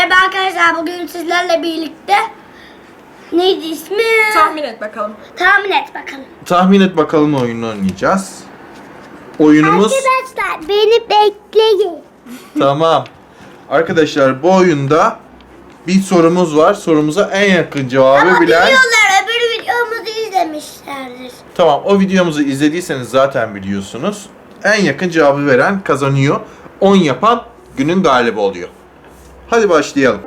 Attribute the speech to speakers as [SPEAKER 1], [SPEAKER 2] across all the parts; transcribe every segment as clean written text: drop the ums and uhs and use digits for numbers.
[SPEAKER 1] Merhaba arkadaşlar, bugün sizlerle birlikte neydi ismi?
[SPEAKER 2] Tahmin et bakalım.
[SPEAKER 1] Tahmin et bakalım.
[SPEAKER 3] Tahmin et bakalım oyununu oynayacağız. Oyunumuz
[SPEAKER 1] Arkadaşlar beni bekleyin.
[SPEAKER 3] tamam. Arkadaşlar bu oyunda bir sorumuz var. Sorumuza en yakın cevabı
[SPEAKER 1] Ama
[SPEAKER 3] bilen.
[SPEAKER 1] biliyorlar, öbür videomuzu izlemişlerdir.
[SPEAKER 3] Tamam, o videomuzu izlediyseniz zaten biliyorsunuz. En yakın cevabı veren kazanıyor. 10 yapan günün galibi oluyor. Hadi başlayalım.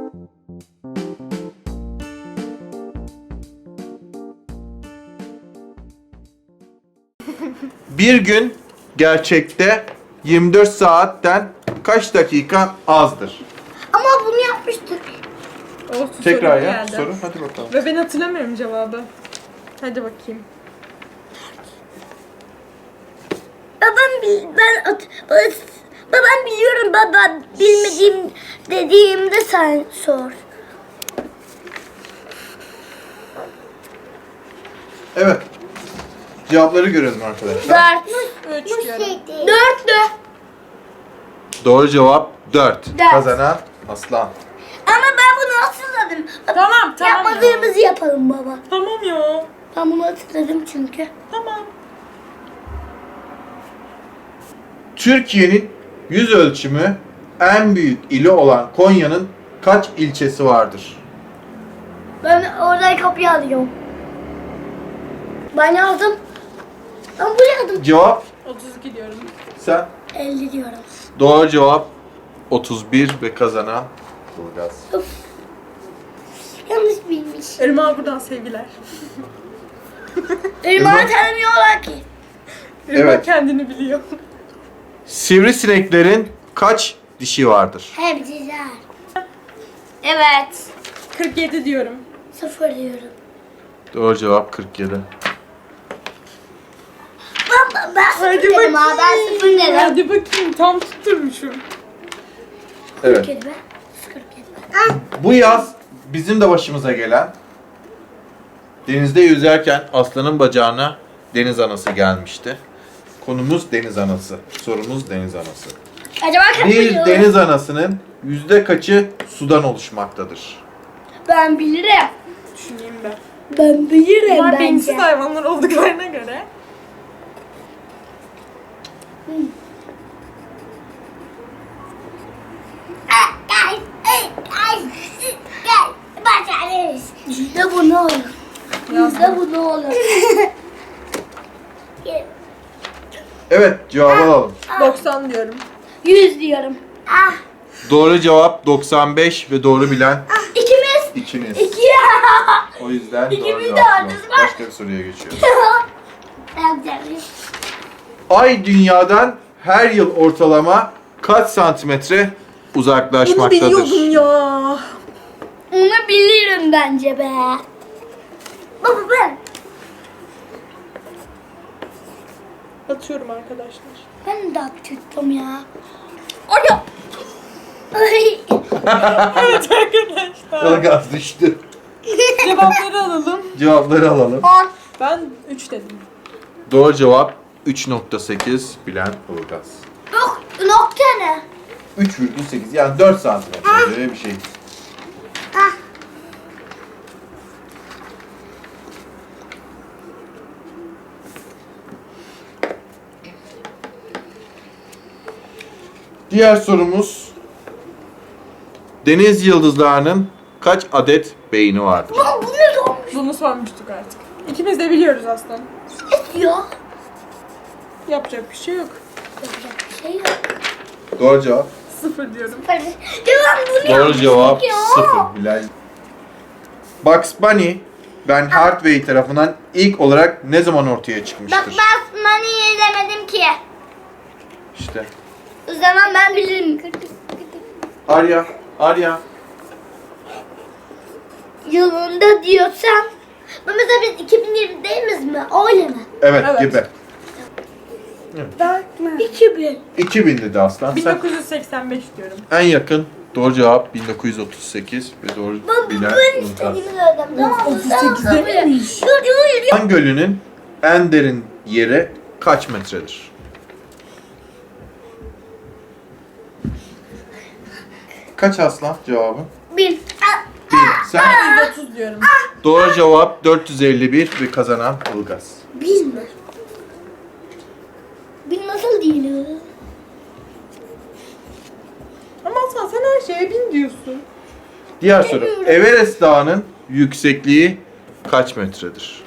[SPEAKER 3] Bir gün gerçekte 24 saatten kaç dakika azdır?
[SPEAKER 1] Ama bunu yapmıştık.
[SPEAKER 2] Olsun,
[SPEAKER 3] Tekrar
[SPEAKER 2] soru
[SPEAKER 3] ya
[SPEAKER 2] geldi.
[SPEAKER 3] soru, hadi bakalım.
[SPEAKER 2] Ve ben hatırlamıyorum cevabı. Hadi bakayım.
[SPEAKER 1] Babam biliyorum baba, bilmediğim dediğimde sen sor.
[SPEAKER 3] Evet. Cevapları görelim arkadaşlar.
[SPEAKER 1] 4.
[SPEAKER 2] 3 diyorum.
[SPEAKER 1] 4'tü.
[SPEAKER 3] Doğru cevap 4.
[SPEAKER 1] Dört.
[SPEAKER 3] Kazanan Aslan.
[SPEAKER 1] Ama ben bunu hatırladım.
[SPEAKER 2] Tamam ya.
[SPEAKER 1] Yapmadığımızı yapalım baba.
[SPEAKER 2] Tamam ya.
[SPEAKER 1] Ben bunu hatırladım çünkü.
[SPEAKER 2] Tamam.
[SPEAKER 3] Türkiye'nin yüz ölçümü en büyük ili olan Konya'nın kaç ilçesi vardır?
[SPEAKER 1] Ben oradan kapıyı alıyorum. Ben yazdım. Ben buraya yazdım.
[SPEAKER 3] Cevap
[SPEAKER 2] 32 diyorum.
[SPEAKER 3] sen.
[SPEAKER 1] 50 diyorum.
[SPEAKER 3] Doğru cevap 31 ve kazanan Bulgaz.
[SPEAKER 1] Yanlış bilmiş.
[SPEAKER 2] Irmak'a buradan sevgiler.
[SPEAKER 1] Irmağı tanımıyorlar ki.
[SPEAKER 2] Irmak
[SPEAKER 3] Evet.
[SPEAKER 2] kendini biliyor.
[SPEAKER 3] Sivrisineklerin kaç dişi vardır?
[SPEAKER 1] Hepsiler. Evet.
[SPEAKER 2] 47 diyorum.
[SPEAKER 1] 0 diyorum.
[SPEAKER 3] Doğru cevap 47.
[SPEAKER 1] Ben
[SPEAKER 2] Hadi
[SPEAKER 1] 0 dedim ha. Ben 0 dedim.
[SPEAKER 2] Hadi bakayım, tam tutturmuşum.
[SPEAKER 3] Evet.
[SPEAKER 1] 47 be. 47 be.
[SPEAKER 3] Bu yaz bizim de başımıza gelen denizde yüzerken aslanın bacağına deniz anası gelmişti. Konumuz deniz anası. Sorumuz deniz anası.
[SPEAKER 1] Acaba kaç
[SPEAKER 3] Bir
[SPEAKER 1] biliyor?
[SPEAKER 3] deniz anasının yüzde kaçı sudan oluşmaktadır?
[SPEAKER 1] Ben bilirim.
[SPEAKER 2] Düşüneyim ben.
[SPEAKER 1] Ben bilirim
[SPEAKER 2] Bunlar
[SPEAKER 1] bence.
[SPEAKER 2] beyinsiz hayvanlar olduklarına göre.
[SPEAKER 1] Gel. Başarırız. İşte bu ne olur? İşte bu ne olur?
[SPEAKER 3] Evet, cevabı alalım.
[SPEAKER 2] 90 diyorum.
[SPEAKER 1] 100 diyorum. Ah.
[SPEAKER 3] Doğru cevap 95 ve doğru bilen
[SPEAKER 1] İkimiz.
[SPEAKER 3] ikiniz.
[SPEAKER 1] 2.
[SPEAKER 3] O yüzden doğru
[SPEAKER 1] İkimiz de
[SPEAKER 3] cevap
[SPEAKER 1] aldınız
[SPEAKER 3] yok.
[SPEAKER 1] mı?
[SPEAKER 3] Başka bir soruya geçiyoruz.
[SPEAKER 1] Ben
[SPEAKER 3] Ay dünyadan her yıl ortalama kaç santimetre
[SPEAKER 2] Bunu
[SPEAKER 3] uzaklaşmaktadır?
[SPEAKER 2] biliyordum ya.
[SPEAKER 1] onu bilirim bence be. Baba ben.
[SPEAKER 2] Atıyorum arkadaşlar.
[SPEAKER 1] Ben de tuttum ya.
[SPEAKER 2] Ay ya.
[SPEAKER 1] Ay.
[SPEAKER 2] Evet arkadaşlar.
[SPEAKER 3] Ilgaz düştü.
[SPEAKER 2] Cevapları alalım.
[SPEAKER 3] Cevapları alalım.
[SPEAKER 1] 10.
[SPEAKER 2] Ben 3 dedim.
[SPEAKER 3] Doğru cevap 3.8 bilen Ilgaz.
[SPEAKER 1] Yok, nokta ne?
[SPEAKER 3] 3,8 yani 4 santimetre böyle bir şey.
[SPEAKER 1] Ah.
[SPEAKER 3] Diğer sorumuz deniz yıldızlarının kaç adet beyni vardır?
[SPEAKER 1] Baba bu ne olmuş
[SPEAKER 2] Bunu sormuştuk artık. İkimiz de biliyoruz aslında.
[SPEAKER 1] ya?
[SPEAKER 2] Yapacak bir şey yok.
[SPEAKER 1] Yapacak bir şey yok.
[SPEAKER 3] Doğru cevap.
[SPEAKER 2] 0 diyorum.
[SPEAKER 1] Devam bunu
[SPEAKER 3] Doğru
[SPEAKER 1] yapmıştık
[SPEAKER 3] cevap
[SPEAKER 1] ya.
[SPEAKER 3] 0 Bilal. Bugs Bunny Ben Hathaway tarafından ilk olarak ne zaman ortaya
[SPEAKER 1] Bak
[SPEAKER 3] çıkmıştır?
[SPEAKER 1] ben Money'i izlemedim ki.
[SPEAKER 3] İşte.
[SPEAKER 1] O zaman ben bilirim.
[SPEAKER 3] Arya.
[SPEAKER 1] Yılında diyorsam. Mesela biz 2020'deyiz mi? Öyle mi?
[SPEAKER 3] Evet,
[SPEAKER 2] Evet.
[SPEAKER 3] gibi.
[SPEAKER 1] 2000.
[SPEAKER 3] 2000 dedi Aslan. Sen
[SPEAKER 2] 1985 diyorum.
[SPEAKER 3] en yakın doğru cevap 1938 ve doğru bilen
[SPEAKER 1] Ben
[SPEAKER 3] Ilgaz.
[SPEAKER 1] istediğimi söyledim. Tamam mı?
[SPEAKER 2] 38'de miymiş?
[SPEAKER 1] Dur.
[SPEAKER 3] Han Gölü'nün en derin yeri kaç metredir? Kaç Aslan cevabın?
[SPEAKER 1] 1.
[SPEAKER 3] 1. Sen
[SPEAKER 2] 130 diyorum.
[SPEAKER 3] doğru cevap 451 ve kazanan Ilgaz.
[SPEAKER 1] 1 mi? 1 nasıl değil?
[SPEAKER 2] Ama Aslan sen her şeye 1000 diyorsun.
[SPEAKER 3] Diğer soru. Everest Dağı'nın yüksekliği kaç metredir?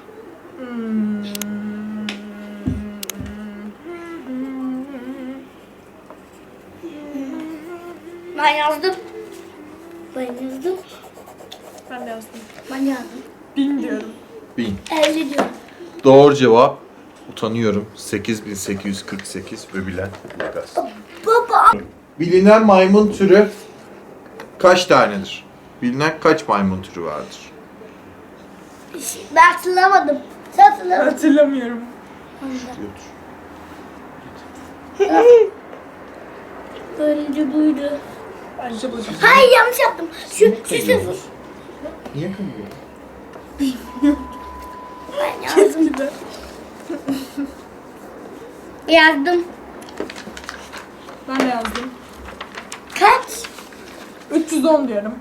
[SPEAKER 1] Ben yazdım. Ben yazdım.
[SPEAKER 2] Ben de yazdım.
[SPEAKER 1] Ben yazdım.
[SPEAKER 2] 1000 diyorum.
[SPEAKER 3] 1000.
[SPEAKER 1] 50 diyorum.
[SPEAKER 3] Doğru cevap utanıyorum 8848 ve bilen Ilgaz.
[SPEAKER 1] Baba.
[SPEAKER 3] Bilinen maymun türü kaç tanedir? Bilinen kaç maymun türü vardır?
[SPEAKER 1] Ben hatırlamadım. Sen hatırlamadın.
[SPEAKER 2] Hatırlamıyorum.
[SPEAKER 1] Önce buydu.
[SPEAKER 2] Bence bu.
[SPEAKER 1] Hayır yanlış yaptım. Şu sıfır.
[SPEAKER 3] Niye kımıyor?
[SPEAKER 1] Ben yazdım.
[SPEAKER 2] Kesinlikle.
[SPEAKER 1] Yazdım.
[SPEAKER 2] Ben de yazdım.
[SPEAKER 1] Kaç?
[SPEAKER 2] 310 diyorum.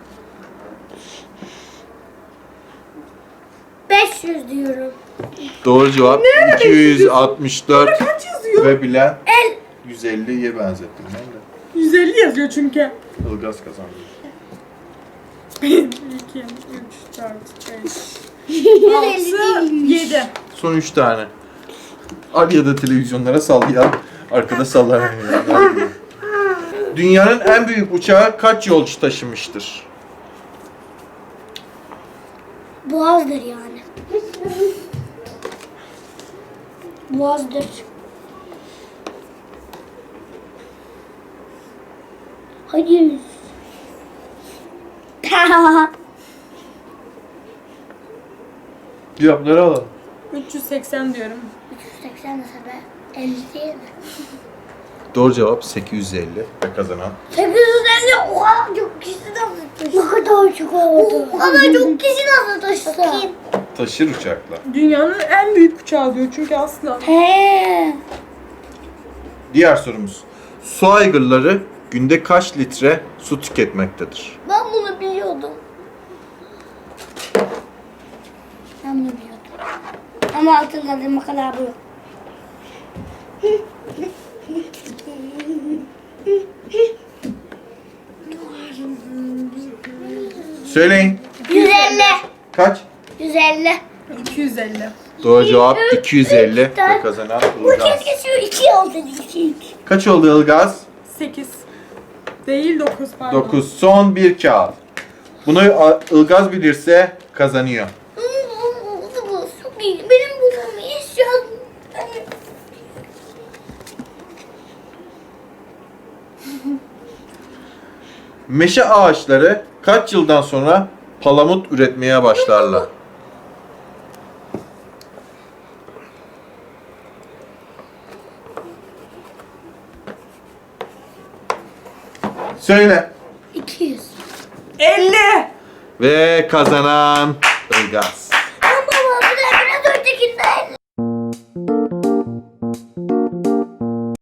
[SPEAKER 1] 500 diyorum.
[SPEAKER 3] Doğru cevap 264
[SPEAKER 2] Kaç yazıyor?
[SPEAKER 3] ve bilen
[SPEAKER 1] El.
[SPEAKER 3] 150'ye benzettim ben de.
[SPEAKER 2] 150 yazıyor çünkü.
[SPEAKER 3] Ilgaz kazandı.
[SPEAKER 2] 2, 3, 4, 5, 6, 7.
[SPEAKER 3] Son 3 tane. Al ya da televizyonlara sallayan, arkada sallanan. Dünyanın en büyük uçağı kaç yolcu taşımıştır?
[SPEAKER 1] Boğazdır yani. Boğazdır. Hayır.
[SPEAKER 3] Cevapları alalım.
[SPEAKER 2] 380 diyorum.
[SPEAKER 1] 380 nasıl be? 50 değil mi?
[SPEAKER 3] Doğru cevap 850 ve kazanan.
[SPEAKER 1] 850 o kadar çok kişi nasıl taşır? Ne kadar çok oldu? O kadar çok kişi nasıl taşır? Bakayım.
[SPEAKER 3] Taşır uçakla.
[SPEAKER 2] Dünyanın en büyük uçağı diyor çünkü Aslan.
[SPEAKER 1] He.
[SPEAKER 3] Diğer sorumuz. Su aygırları günde kaç litre su tüketmektedir?
[SPEAKER 1] Ben bunu biliyordum. Ben bunu biliyordum. Ama altın kaldırma kadar bu yok.
[SPEAKER 3] Söyleyin.
[SPEAKER 1] 150.
[SPEAKER 3] Kaç?
[SPEAKER 1] 150.
[SPEAKER 2] 250.
[SPEAKER 3] Doğru cevap 250 ve kazanan
[SPEAKER 1] Bu
[SPEAKER 3] Ilgaz.
[SPEAKER 1] keşke şu 2 oldu. 2.
[SPEAKER 3] Kaç oldu Ilgaz?
[SPEAKER 2] 8. Değil 9 pardon.
[SPEAKER 3] 9. Son bir kağıt. Bunu Ilgaz bilirse kazanıyor.
[SPEAKER 1] Bu çok iyi. Benim bulmamı istiyorum.
[SPEAKER 3] Meşe ağaçları kaç yıldan sonra palamut üretmeye başlarlar? Söyle.
[SPEAKER 1] 200.
[SPEAKER 2] 50.
[SPEAKER 3] Ve kazanan Ilgaz.